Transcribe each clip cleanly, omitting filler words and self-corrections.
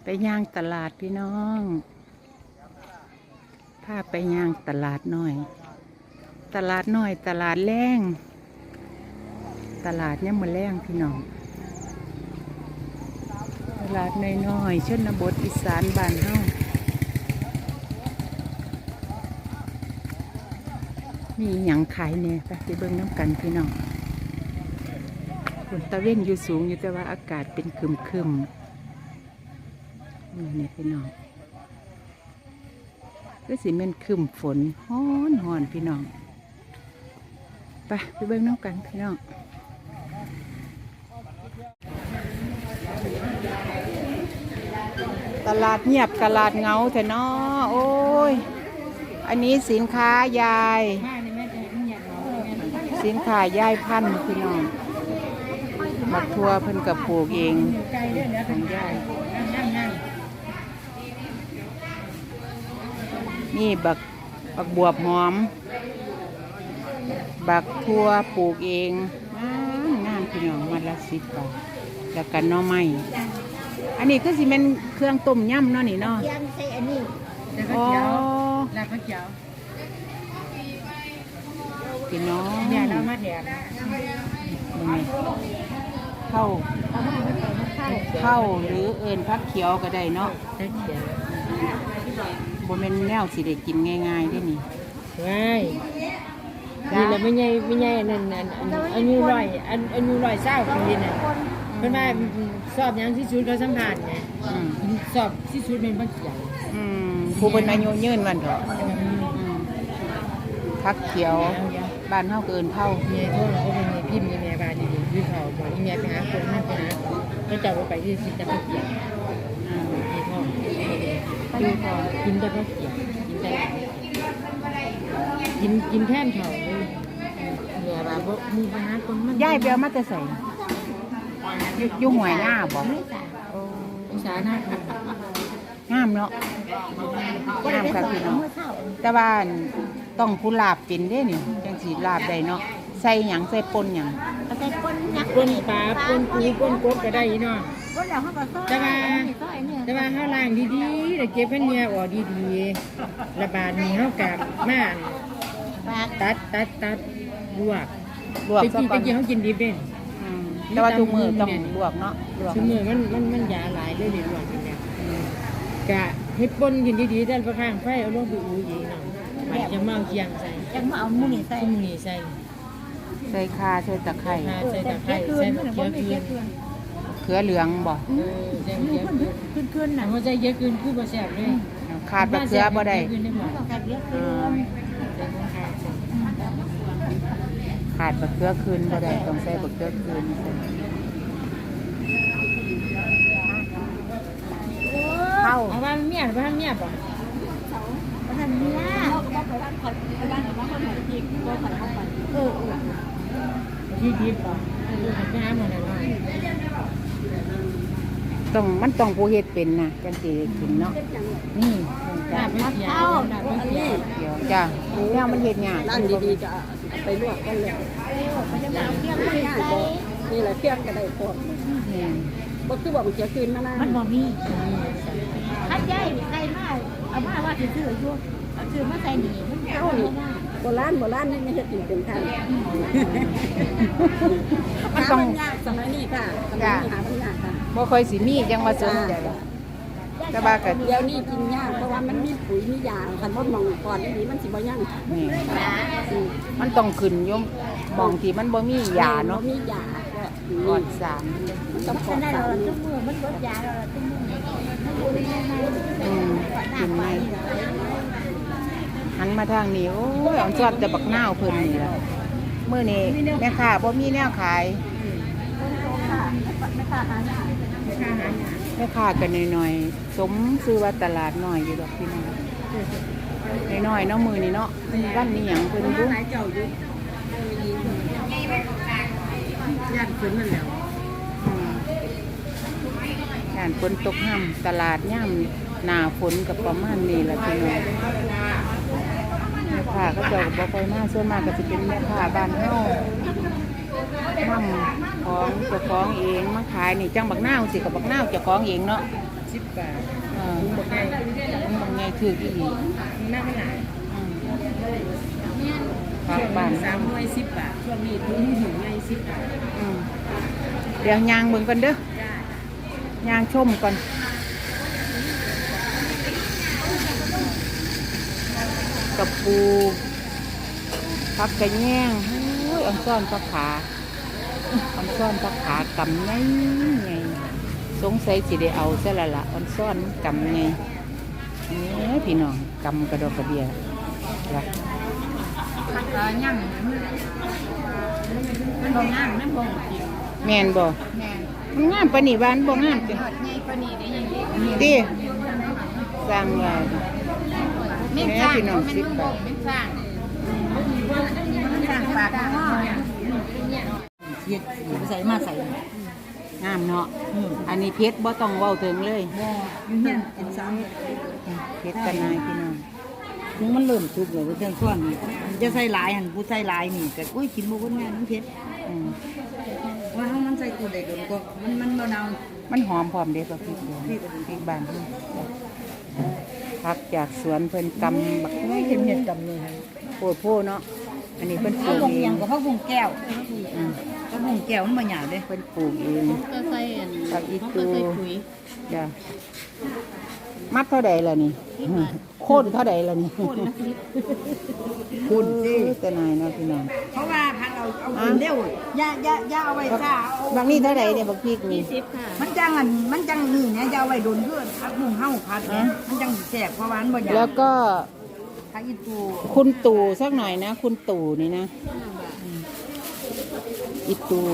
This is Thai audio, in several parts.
ไปย่างตลาดพี่น้องพาไปย่างตลาดน้อย ตลาดน้อยตลาดแรงตลาดเนี่ยมือแรงพี่น้องตลาดน้อยๆชนบทอีสานบ้านเฮามีหยังขายเนี่ยไปเบิ่งน้ำกันพี่น้องฝนตะเว้นอยู่สูงอยู่แต่ว่าอากาศเป็นครึมนี่พี่น้องก็สิเป็นครึมฝนฮ้อนพี่น้องไปเบิ่งน้ำกันพี่น้องตลาดเงียบตลาดเงาแท้น้อโอ้ยอันนี้สินค้ายายสินค้ายายพันธุ์พี่น้องบักทั่วเพิ่นกับปลูกเองของยายนี่บักบวบหอมบักทั่วปลูกเองงามพี่น้องมัดละ10 บาทแล้วกันน้อไม้อันนี้ก็สิเป็นเครื่องต้มยำเนาะนี่เนาะยำใส่อันนี้แล้วก็เขียวแล้วก็เขียวพี่น้องเนี่ยเรามาแถมเข้าหรือเอิญพักเขียวก็ได้เนาะพักเขียวบ่แม่นแนวสิได้กินง่ายๆได้นี่ง่ายนี่แหละไม่ใหญ่นั่นอันนี้ร่อยอันนี้ร่อยเศร้าปีน่ะเพิ่นว่าสอบยังที่สุดเขาสัมภาษณ์ไงสอบที่สุดเป็นพักเขียวผู้เป็นอายุยืนวันเถอะพักเขียวบ้านเฮาเกินเท่าเมียโทษเขาเป็นเมียพิมพ์เมียบ้านดีๆพี่เขาบอกเมียไปหาคนนั่นไปหาเขาจับไปที่สิจะพักเขียวมีพ่อดูพอกินแต่พักเขียวกินแท่นเขาเลยเมียบ้านบอกมีปัญหาคนมันย้ายไปเอามาแต่ใส่อยู่หวยหน้าบ่ภาษาหน้าค่ะงามเนาะงามค่ะพี่น้องแต่ว่าต้องผู้ลาบเป็นเด้นี่จังสิลาบได้เนาะใส่หยังใส่ป่นหยังใส่ป่นหยังป่นปลาป่นปูป่นกบก็ได้เนาะแต่ว่าเฮาล้างดีๆแล้วเก็บให้เนื้อออกดีๆระบาดนี้เฮากะมาตัดลวกซะก่อนเฮากินดิบเด้แต่ว่าทุกมื้อต้องลวกเนาะทุกมื้อมันยาหลายเลยนี่ลวกจังซี่กะเฮ็ดป่นกินดีๆได้ประข้างไฟเอาลงไปอูอีกเนาะมันจะมาเอาเคียงใส่จังมาเอามื้อนี้ใส่ข่าใส่ตะไคร้ใส่เขีเขือเหลืองบ่ใส่เขียวขึ้นน่ะบ่ใส่เยอะขึ้นคือบ่แซ่บเลยขาดบักเขือบ่ได้ขาดบักเขือคืนบ่ได้ต้องใส่บักเขือคืนเข้าเอาบ้านเมียป่ะบ้านเมียที่ดิบป่ะไปหาหมดเลยมันต้องผู้เฮ็ดเป็นนะจังสิกินเนาะนี่ลาบเขียวจ้ะแล้วมันเฮ็ดยากร้านดีๆจะไปลวกกันเลยนี่แหละเที่ยงก็ได้พอบ่คือบอกมันจะคืนมานะมันบ่มีคัดใหญ่ใส่มาเอามาว่าสิซื้ออยู่เอาซื้อมาใส่นี่มันเอานี่โบราณนี่ไม่เฮ็ดเป็นทางมันต้องยากสมัยนี้ค่ะสมัยนี้หามันยากค่ะบ่ค่อยสิมีจังว่าสนใจแต่ว่าก็เดี๋ยวนี้กินยากเพราะว่ามันมีปุ๋ยมียาคันบ่มองก่อนนี่มันสิบ่ยังนี่มันต้องขึ้นอยู่มองที่มันบ่มียาเนาะมียาปลอดสารต้องปลอดสารทุกมื้อมันลดยาแล้วทุกมื้อกินไม่หันมาทางนี้โอ้ยอ่อนชอบแต่บักนาวเพิ่นนี่ล่ะมื้อนี้แม่ค้าบ่มีแนวขายแม่ค้ากันหน่อยๆสมซื้อว่าตลาดน้อยอยู่ดอกพี่น้องน้อยๆเนาะมื้อนี้เนาะร้านนี้หยังเพิ่นอยู่ย่านขึ้นนั่นแล้วย่านฝนตกห่ำตลาดย่ำหน้าฝนกับประมาณนี้ล่ะพี่น้องแม่ค้าก็จะบ่ค่อยมาส่วนมากก็สิเป็นแม่ค้าบ้านเฮานำของเจ้าของเองมาขายนี่จังบักนาวสิกับบักนาวเจ้าของเองเนาะ 10 บาทถุงบักไงบักไงถืออีหลีหน้าไม่หลายผักช่วงบ้าน 3หน่วย10 บาทช่วงนี้ถุงหิวไง10 บาทเดี๋ยวยางเบิ่งก่อนเด้อจ้ายางชมก่อนกับปูผักกระแยงอุ้ยอันซ่อนผักขาอันซ่อนผักขากำไงไงสงสัยสิได้เอาซะละละอันซ่อนกำไงนี่พี่น้องกำกระดอกกระเดียละผักย่ำมันบ่งามมันบ่จริงแม่นบ่แม่มันงามปานนี้บ้านบ่งามจังยอดใหญ่กว่านี้ได้ยังไงติสร้างว่าแม่จ้างมันมันบ่เป็นสร้างมันสร้างปากหม้อเฮ็ดใส่มาใส่งามเนาะอันนี้เพชรบ่ต้องเว้าถึงเลยบ่อยู่เฮียนเป็นสามเพชรกันนายพี่น้องถึงมันเริ่มสุกแล้วเพิ่นส่วนนี่จะใส่หลายหั่นผู้ใส่หลายนี่ก็โอ้ยกินบ่เบิดงานมันเผ็ดอืมว่าถ้ามันใส่ตัวเด็กก็มันบ่นาวมันหอมพร้อมเด้อกับพริกเดียวพริกบ้านเฮาผักจากสวนเพิ่นกำบักไม่เห็นเห็ดกับนี่โพดโพเนาะอันนี้เพิ่นปเขาลูกลงเอเอียงงกับเขาบุงแก้วอืมเขาบุงแก้วมันบ่หยาบเด้เพิ่นปลูกเองก็ใส่ผักอีตูจ้ะมัดเท่าใดล่ะนี่โค่นเท่าใดล่ะนี่คุณสิแต่นายเนาะพี่น้องเพราะว่าพันเอากินเร็วอย่าเอาไว้ซ่าบางนี่เท่าใดเนี่ยบักพริกนี่มันจังอันมันจังนี่นะอย่าเอาไว้โดนเพื่อนพักหุงเฮาพัดเนี่ยมันจังแสบเพราะว่ามันบ่หยาบแล้วก็พักอีตูคุณตู่สักหน่อยนะ คุณตู่นี่นะอีตู่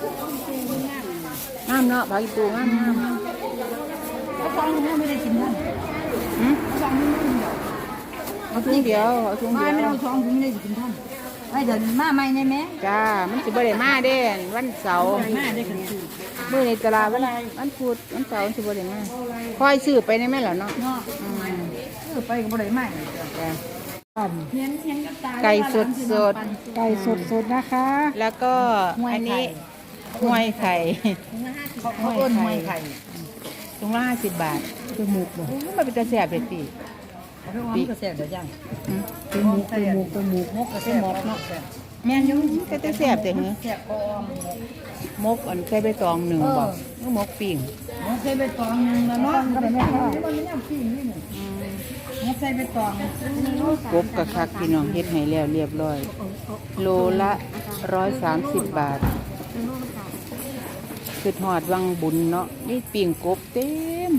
งามเนาะผักอีตู่งามเขาฟังมันไม่ได้กินนั่นหืมเขาฟังมันไม่ได้กินดอกเอาถุงเดียวเอาถุงไม่เดียวเอาช่องถึงได้กินท่านไอ้เดี๋ยวมาใหม่ได้ไหมจ้ามันสิบ่ได้มาเด้วันเสาร์มาได้กันคือมื้อในตลาดวันพุธวันเสาร์มันสิบ่ได้มาคอยซื้อไปได้ไหมล่ะเนาะเนาะอืมไปก็บ่ได้ใหม่จ้ะเทียนกับตาไก่สดไก่สดนะคะแล้วก็อันนี้ห้วยไข่เขาเอิ้นหวยไข่ถุงละ50 บาทคือหมูบ่มันเป็นตาแซ่บเด้ติเขาเรียกว่ามันก็แซ่บเดี๋ยวย่างหืมเป็นหมูมกก็แซ่บเนาะแม่นอยู่ก็ตาแซ่บแต่เหรอแซ่บก็ออมมกอันใส่ใบตองหนึ่งบ่หรือมกปิ่งมกใส่ใบตองนึงแล้วเนาะก็ได้แม่ค่ะมันไม่ยำปิ้งนี่นี่มกใส่ใบตองกบกะคักพี่น้องเฮ็ดให้แล้วเรียบร้อย โลละ130 บาทคือทอดวังบุญเนาะนี่ปิ่งกบเต็ม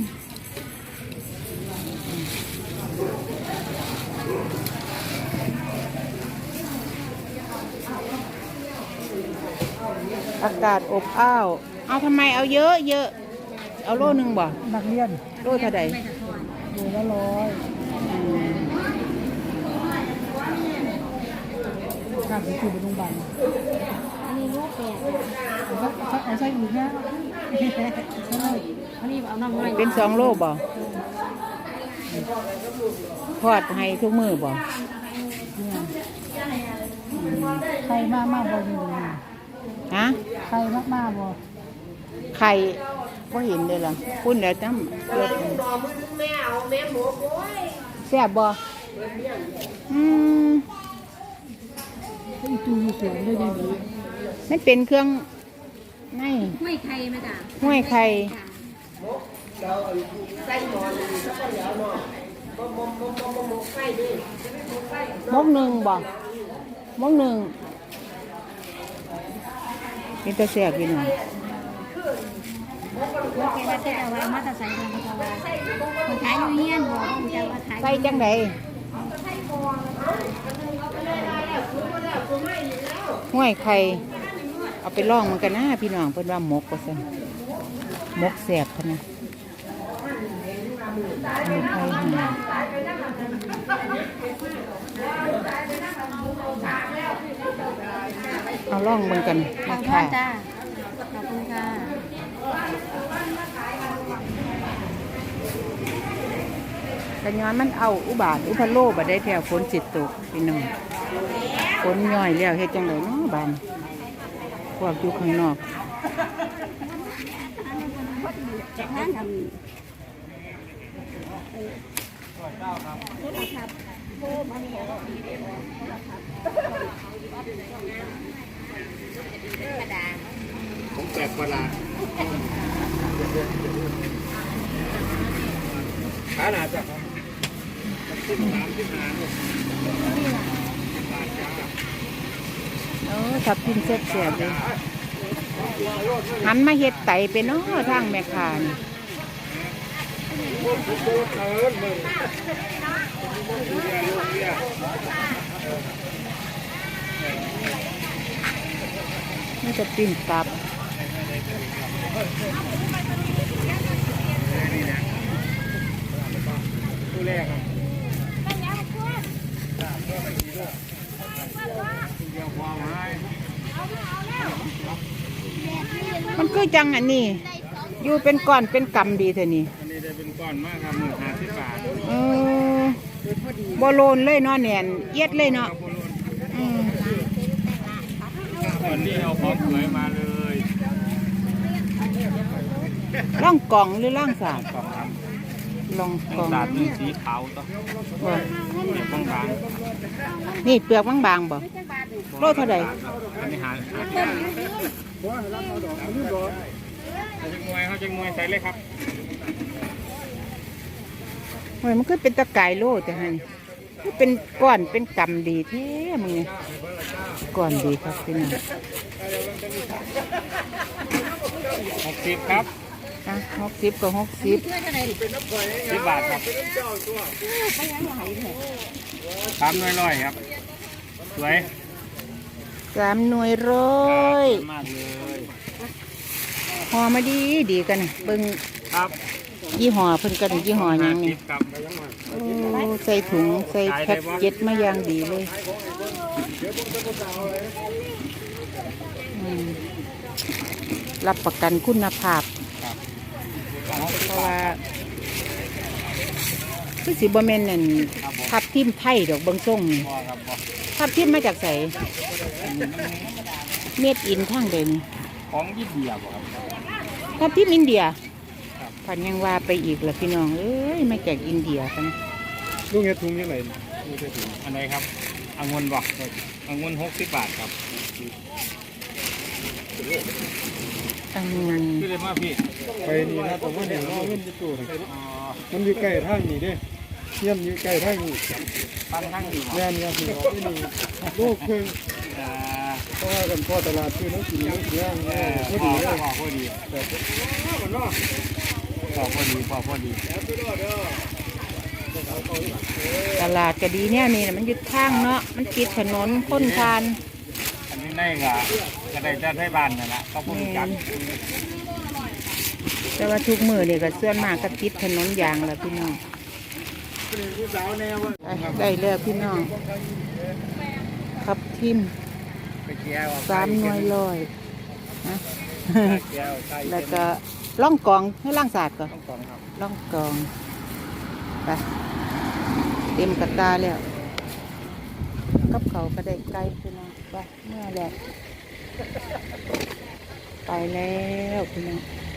อากาศอบอ้าวเอาทำไมเอาเยอะเยอะเอาโลนึงบ่นักเรียนโลเท่าใดดูละร้อยข้าวไปคือไปโรงพยาบาลอันนี้ลูกแปดเอาใส่อีกนะอันนี้เอาน้ำไม้เป็น2 โลบ่ทอดให้ทุกมือบ่ไข่มากมากบ่อยู่ฮะไข่มากมากบ่ไข่ก็เห็นเลยล่ะคุณเดี๋ยวน้ำเลือดแซ่บบ่อีตูอยู่สวนด้วยดีมันเป็นเครื่องไงไม่ไข่มาจ้ะห้วยไข่มกหนึ่งบ่มกหนึ่งเป็นตะแซ่บพี่น้องโอเคว่าจะเอาไว้มาแต่ใส่ทางเขาว่าคนขายอยู่เฮียนบอกว่าจะว่าขายใส่จังไดห้วยไข่เอาไปลองมันกันนะพี่น้องเพิ่นว่าหมกก็ซั่นหมกแซ่บพะนะห้วยไข่หาเอาลองมันกันขนะอบคุคะณจ้าขอบคุณค่ะกันย้อนมันเอาอุบาทอุพะโลบ่ได้แถวฝนสิตกพี่น้องฝนย่อยแล้วเฮ็ดจังไดเนาะบานพวกอยู่ข้างนอกจากนั้นทผมแปลกประหลาดขาหนาจังขึ้น35เนี่ยทับทิมแซ่บๆเลยหันมาเฮ็ดไตเป็นเนาะทางแม่ค้านี่นี่จะปิ้งตับตัวแรกครับเดี๋ยวความหายมันคือจังอันนี้อยู่เป็นก้อนเป็นกำดีเท่านี้อันนี้ได้เป็นก้อนมากครับ50 บาทเออบ่โลนเลยเนาะแน่นเอียดเลยเนาะอืมก่อนนี้เอาของสวยมาเลยล่องกล่องหรือล่องสาดกล่องครับล่องกล่องตาดนี่สีขาวต่อบ่เปียกบางนี่เปลือกบางๆบ่โลเท่าใดๆอันนี้หาจังมวยเขาจังมวยใส่เลยครับโอ้ยมันคือเป็นตะไคร้โลแต่ฮะนี่คือเป็นก้อนเป็นกำดีแท้มึงนี่ก้อนดีครับพี่น้อง 60ครับอ่ะ60กับ60 10 บาทครับ3ร้อยครับสวย 3 หน่วยร้อยมากเลยห่อมาดีดีกันน่ะเบิ่งครับยี่ห้อเพิ่นกันยี่ห้อหยังนี่ 50ครับโอ้ใส่ถุงใส่แพ็คเก็ตมาอย่างดีเลยอืมรับประกันคุณภาพเพราะว่าคือสิบ่แม่นนั่นทับทิมไทยดอกเบิ่งส่งนี่พอครับพอทับทิมมาจากไสเม็ดอินทางเดินของยี่เดียบครับทับทิมอินเดียพันยังว่าไปอีกล่ะพี่น้องเอ้ยมาจากอินเดียกันลูกเห็ดถุงยังไงอันไหนครับองุ่นบอกองุ่น60 บาทครับอันนี้คือเลยมาพี่ไปนี่นะแต่ว่าเนี่ยเราเงินจะตู้นะมันอยู่ใกล้ทางนี่เด้เยี่ยมอยู่ใกล้ทางนี่ปั้นทั้งดีแม่นครับพี่น้องที่นี่โลกเพิ่งเพราะว่ากันพ่อตลาดคือน้องกินน้องเสียงพอดีเลยพอดีพอดีตลาดก็ดีเนี่ยนี่น่ะมันยึดทางเนาะมันติดถนนคนทานอันนี้ได้ก็ได้จะให้บ้านนั่นแหละก็พูดจักแต่ว่าทุกมือเนี่ยก็ส่วนมากก็ติดถนนยางแล้วพี่น้องได้แล้วพี่น้องครับทิมไปเกี่ยว 3 หน่วยร้อยนะเกี่ยวใส่แล้วก็ล่องกองให้ล่างศาสตร์ก่อนต้องกองครับล่องกองไปเต็มกระตาแล้วกับเขาก็ได้ไกลพี่น้องไปเมื่อแล้วไปแล้วพี่น้อง